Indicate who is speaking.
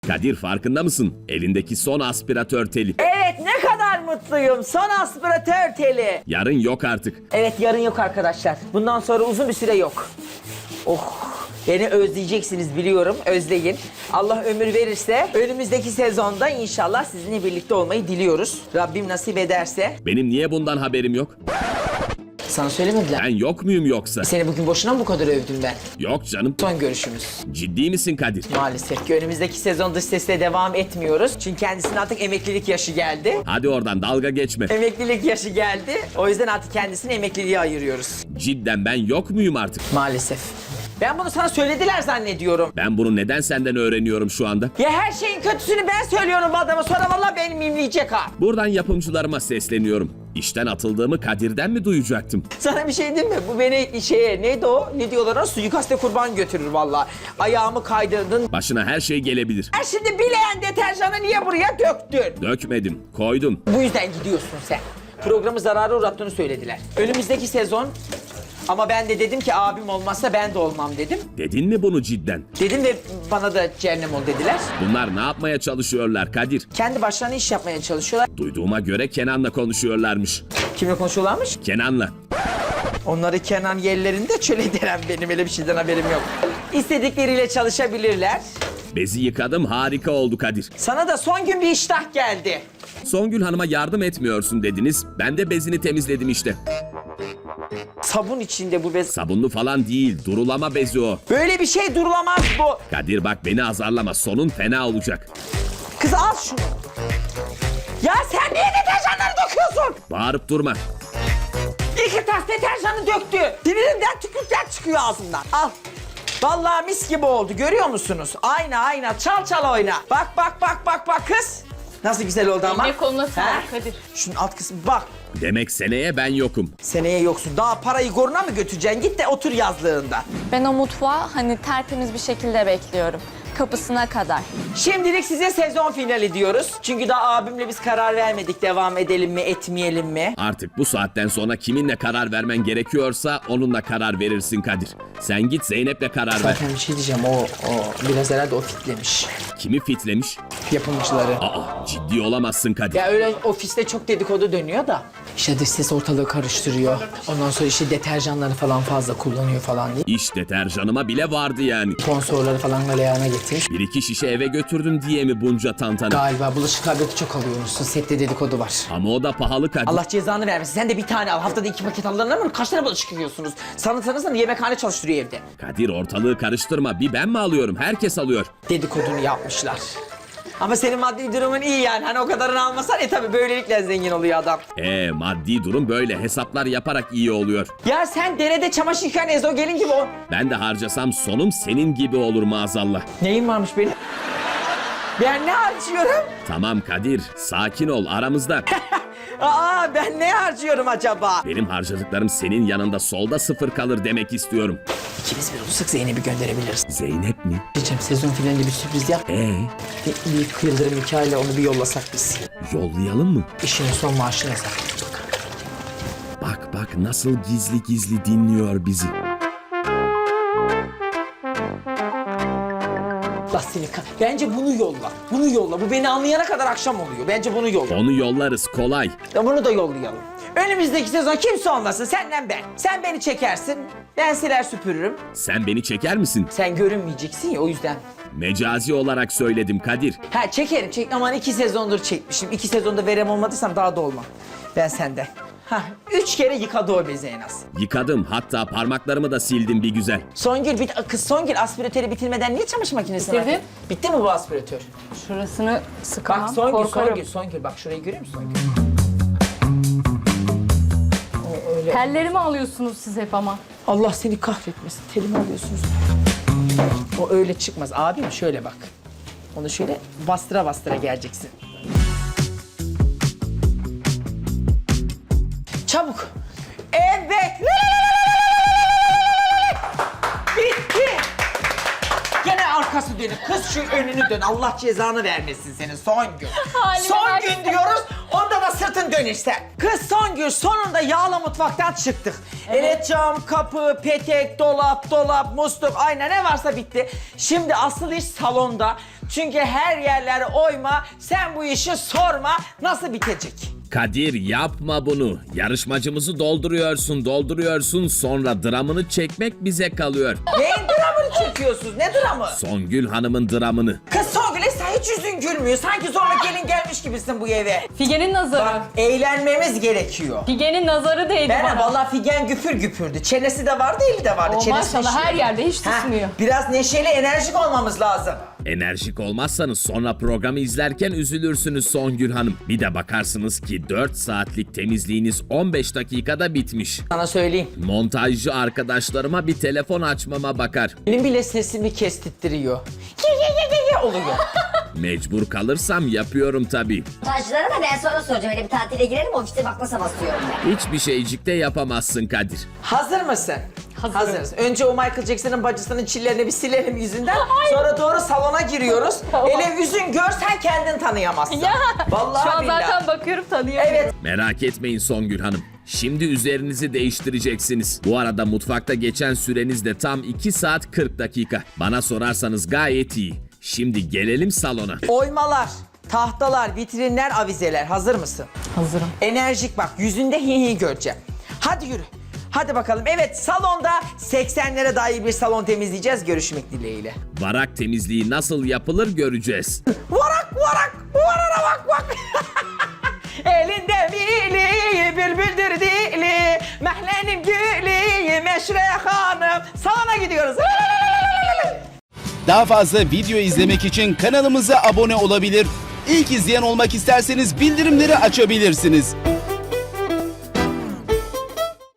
Speaker 1: Kadir farkında mısın? Elindeki son aspiratör teli.
Speaker 2: Evet, ne kadar mutluyum. Son aspiratör teli.
Speaker 1: Yarın yok artık.
Speaker 2: Evet, yarın yok arkadaşlar. Bundan sonra uzun bir süre yok. Oh, beni özleyeceksiniz biliyorum. Özleyin. Allah ömür verirse önümüzdeki sezonda inşallah sizinle birlikte olmayı diliyoruz. Rabbim nasip ederse.
Speaker 1: Benim niye bundan haberim yok?
Speaker 2: Sana söylemediler.
Speaker 1: Ben yok muyum yoksa?
Speaker 2: Seni bugün boşuna mı bu kadar övdüm ben?
Speaker 1: Yok canım.
Speaker 2: Son görüşümüz.
Speaker 1: Ciddi misin Kadir?
Speaker 2: Maalesef ki önümüzdeki sezon dış sesle devam etmiyoruz. Çünkü kendisinin artık emeklilik yaşı geldi.
Speaker 1: Hadi oradan dalga geçme.
Speaker 2: Emeklilik yaşı geldi. O yüzden artık kendisini emekliliğe ayırıyoruz.
Speaker 1: Cidden ben yok muyum artık?
Speaker 2: Maalesef. Ben bunu sana söylediler zannediyorum.
Speaker 1: Ben bunu neden senden öğreniyorum şu anda?
Speaker 2: Ya her şeyin kötüsünü ben söylüyorum bu adama. Sonra vallahi beni mimleyecek ha.
Speaker 1: Buradan yapımcılarıma sesleniyorum. İşten atıldığımı Kadir'den mi duyacaktım?
Speaker 2: Sana bir şey diyeyim mi? Bu beni neydi o? Ne diyorlar o? Suikaste kurban götürür vallahi. Ayağımı kaydırdın.
Speaker 1: Başına her şey gelebilir.
Speaker 2: Ha şimdi bileyen deterjanı niye buraya döktün?
Speaker 1: Dökmedim, koydum.
Speaker 2: Bu yüzden gidiyorsun sen. Programı zarara uğrattığını söylediler. Önümüzdeki sezon ama ben de dedim ki abim olmazsa ben de olmam dedim.
Speaker 1: Dedin mi bunu cidden?
Speaker 2: Dedim ve bana da cehennem ol dediler.
Speaker 1: Bunlar ne yapmaya çalışıyorlar Kadir?
Speaker 2: Kendi başlarına iş yapmaya çalışıyorlar.
Speaker 1: Duyduğuma göre Kenan'la konuşuyorlarmış.
Speaker 2: Kimle konuşuyorlarmış?
Speaker 1: Kenan'la.
Speaker 2: Onları Kenan yerlerinde çöl ederim, benim öyle bir şeyden haberim yok. İstedikleriyle çalışabilirler.
Speaker 1: Bezi yıkadım, harika oldu Kadir.
Speaker 2: Sana da son gün bir iştah geldi.
Speaker 1: Songül Hanım'a yardım etmiyorsun dediniz. Ben de bezini temizledim işte.
Speaker 2: Sabun içinde bu bez.
Speaker 1: Sabunlu falan değil, durulama bezi o.
Speaker 2: Böyle bir şey durulamaz bu.
Speaker 1: Kadir bak beni azarlama, sonun fena olacak.
Speaker 2: Kız al şunu. Ya sen niye deterjanları döküyorsun?
Speaker 1: Bağırıp durma.
Speaker 2: 2 tas deterjanı döktü. Sinirimden tükürükler çıkıyor ağzından. Al. Vallahi mis gibi oldu, görüyor musunuz? Ayna çal çal oyna. Bak kız. Nasıl güzel oldu ama.
Speaker 3: Eline koluna
Speaker 2: He?
Speaker 3: sağlık Kadir.
Speaker 2: Şunun alt kısmı bak.
Speaker 1: Demek seneye ben yokum.
Speaker 2: Seneye yoksun. Daha parayı goruna mı götüreceksin? Git de otur yazlığında.
Speaker 3: Ben o mutfağı hani tertemiz bir şekilde bekliyorum. Kapısına kadar.
Speaker 2: Şimdilik size sezon finali diyoruz. Çünkü daha abimle biz karar vermedik. Devam edelim mi, etmeyelim mi?
Speaker 1: Artık bu saatten sonra kiminle karar vermen gerekiyorsa onunla karar verirsin Kadir. Sen git Zeynep'le karar ver.
Speaker 2: Zaten bir şey diyeceğim. O biraz herhalde o fitlemiş.
Speaker 1: Kimi fitlemiş?
Speaker 2: Yapımcıları.
Speaker 1: Aa, ciddi olamazsın Kadir.
Speaker 2: Ya öyle ofiste çok dedikodu dönüyor da. İşte dış ses ortalığı karıştırıyor. Ondan sonra işte deterjanları falan fazla kullanıyor falan diye.
Speaker 1: İş deterjanıma bile vardı yani.
Speaker 2: Sponsorları falan galeyana getirmiş.
Speaker 1: 1-2 şişe eve götürdün diye mi bunca tantana?
Speaker 2: Galiba bulaşık tableti çok alıyormuşsun. Sette dedikodu var.
Speaker 1: Ama o da pahalı Kadir.
Speaker 2: Allah cezanı vermesin. Sen de bir tane al. Haftada 2 paket alırlar mı? Kaç tane bulaşık yıkıyorsunuz? Sanırsanız yemekhane çalıştırıyor evde.
Speaker 1: Kadir ortalığı karıştırma. Bir ben mi alıyorum? Herkes alıyor.
Speaker 2: Dedikodunu yapmışlar. Ama senin maddi durumun iyi yani. Hani o kadarını almasan tabii böylelikle zengin oluyor adam.
Speaker 1: Maddi durum böyle. Hesaplar yaparak iyi oluyor.
Speaker 2: Ya sen derede çamaşır yıkayan ezogelin gibi o.
Speaker 1: Ben de harcasam sonum senin gibi olur maazallah.
Speaker 2: Neyin varmış benim? Ben ne harcıyorum?
Speaker 1: Tamam Kadir, sakin ol aramızda.
Speaker 2: Aa ben ne harcıyorum acaba?
Speaker 1: Benim harcadıklarım senin yanında solda sıfır kalır demek istiyorum.
Speaker 2: İkimiz bir olursak Zeynep'i gönderebiliriz.
Speaker 1: Zeynep mi?
Speaker 2: Diyeceğim sezon finalinde bir sürpriz yap. Bir Yıldırım hikayeyle onu bir yollasak biz.
Speaker 1: Yollayalım mı?
Speaker 2: İşinin son maaşını yazar.
Speaker 1: Bak nasıl gizli gizli dinliyor bizi.
Speaker 2: Allah seni Bence bunu yolla. Bunu yolla. Bu beni anlayana kadar akşam oluyor. Bence bunu yolla.
Speaker 1: Onu yollarız kolay.
Speaker 2: Ya bunu da yollayalım. Önümüzdeki sezon kimse olmasın. Senden ben. Sen beni çekersin. Ben siler süpürürüm.
Speaker 1: Sen beni çeker misin?
Speaker 2: Sen görünmeyeceksin ya o yüzden.
Speaker 1: Mecazi olarak söyledim Kadir.
Speaker 2: Ha çekerim. Aman 2 sezondur çekmişim. 2 sezonda verem olmadıysam daha da olmam. Ben senden. 3 kere yıkadı o bezi en az.
Speaker 1: Yıkadım, hatta parmaklarımı da sildim bir güzel.
Speaker 2: Kız Songül aspiratörü bitirmeden niye çamaşır makinesine
Speaker 3: Bitirdim.
Speaker 2: attın? Bitti mi bu aspiratör?
Speaker 3: Şurasını sıkamam.
Speaker 2: Bak
Speaker 3: korkarım.
Speaker 2: Songül bak şurayı görüyor musun Songül?
Speaker 3: Tellerimi alıyorsunuz siz hep ama.
Speaker 2: Allah seni kahretmesin. Telimi alıyorsunuz. O öyle çıkmaz. Abim şöyle bak. Onu şöyle bastıra bastıra geleceksin. Çabuk. Evet. Bitti. Gene arkası dönük. Kız şu önünü dön. Allah cezanı vermesin senin Songül.
Speaker 3: Halime
Speaker 2: Son
Speaker 3: bak.
Speaker 2: gün diyoruz. Onda da sırtın dönüşse. Kız Songül sonunda yağla mutfaktan çıktık. Evet cam, kapı, petek, dolap, musluk, ayna ne varsa bitti. Şimdi asıl iş salonda. Çünkü her yerleri oyma. Sen bu işi sorma. Nasıl bitecek?
Speaker 1: Kadir yapma bunu. Yarışmacımızı dolduruyorsun sonra dramını çekmek bize kalıyor.
Speaker 2: Neyin dramını çekiyorsunuz? Ne dramı?
Speaker 1: Songül Hanım'ın dramını.
Speaker 2: Kız Songül'e sen hiç yüzün gülmüyor. Sanki zorla gelin gelmiş gibisin bu eve.
Speaker 4: Figen'in nazarı.
Speaker 2: Bak eğlenmemiz gerekiyor.
Speaker 4: Figen'in nazarı değdi
Speaker 2: Ben
Speaker 4: bana.
Speaker 2: vallahi Figen güpür güpürdü. Çenesi de vardı, eli de vardı.
Speaker 4: O
Speaker 2: Çenesi
Speaker 4: maşallah
Speaker 2: neşeli.
Speaker 4: her yerde hiç
Speaker 2: Ha,
Speaker 4: susmuyor.
Speaker 2: biraz neşeli, enerjik olmamız lazım.
Speaker 1: Enerjik olmazsanız sonra programı izlerken üzülürsünüz Songül Hanım. Bir de bakarsınız ki 4 saatlik temizliğiniz 15 dakikada bitmiş.
Speaker 2: Sana söyleyeyim.
Speaker 1: Montajcı arkadaşlarıma bir telefon açmama bakar.
Speaker 2: Benim bile sesimi kestittiriyor. Ye oluyor.
Speaker 1: Mecbur kalırsam yapıyorum tabii.
Speaker 5: Montajcılara da ben sonra soracağım. Öyle bir tatile girelim ofiste bak nasıl basıyorum ben.
Speaker 1: Hiçbir şeycik de yapamazsın Kadir.
Speaker 2: Hazır mısın?
Speaker 4: Hazırım.
Speaker 2: Hazırız. Önce o Michael Jackson'ın bacısının çillerini bir silelim yüzünden. Sonra doğru salona giriyoruz.
Speaker 4: Tamam.
Speaker 2: Ele yüzün görsen kendin tanıyamazsın.
Speaker 4: Ya.
Speaker 2: Vallahi
Speaker 4: Şu an
Speaker 2: billahi.
Speaker 4: zaten bakıyorum tanıyorum.
Speaker 2: Evet.
Speaker 1: Merak etmeyin Songül Hanım. Şimdi üzerinizi değiştireceksiniz. Bu arada mutfakta geçen süreniz de tam 2 saat 40 dakika. Bana sorarsanız gayet iyi. Şimdi gelelim salona.
Speaker 2: Oymalar, tahtalar, vitrinler, avizeler. Hazır mısın?
Speaker 4: Hazırım.
Speaker 2: Enerjik bak. Yüzünde hi göreceğim. Hadi yürü. Hadi bakalım. Evet, salonda 80'lere dair bir salon temizleyeceğiz. Görüşmek dileğiyle.
Speaker 1: Varak temizliği nasıl yapılır göreceğiz.
Speaker 2: Varak varak, varana bak bak. Elinde mili, bülbüldür dili, mehlenin gülü, meşre hanım. Salona gidiyoruz.
Speaker 6: Daha fazla video izlemek için kanalımıza abone olabilir. İlk izleyen olmak isterseniz bildirimleri açabilirsiniz.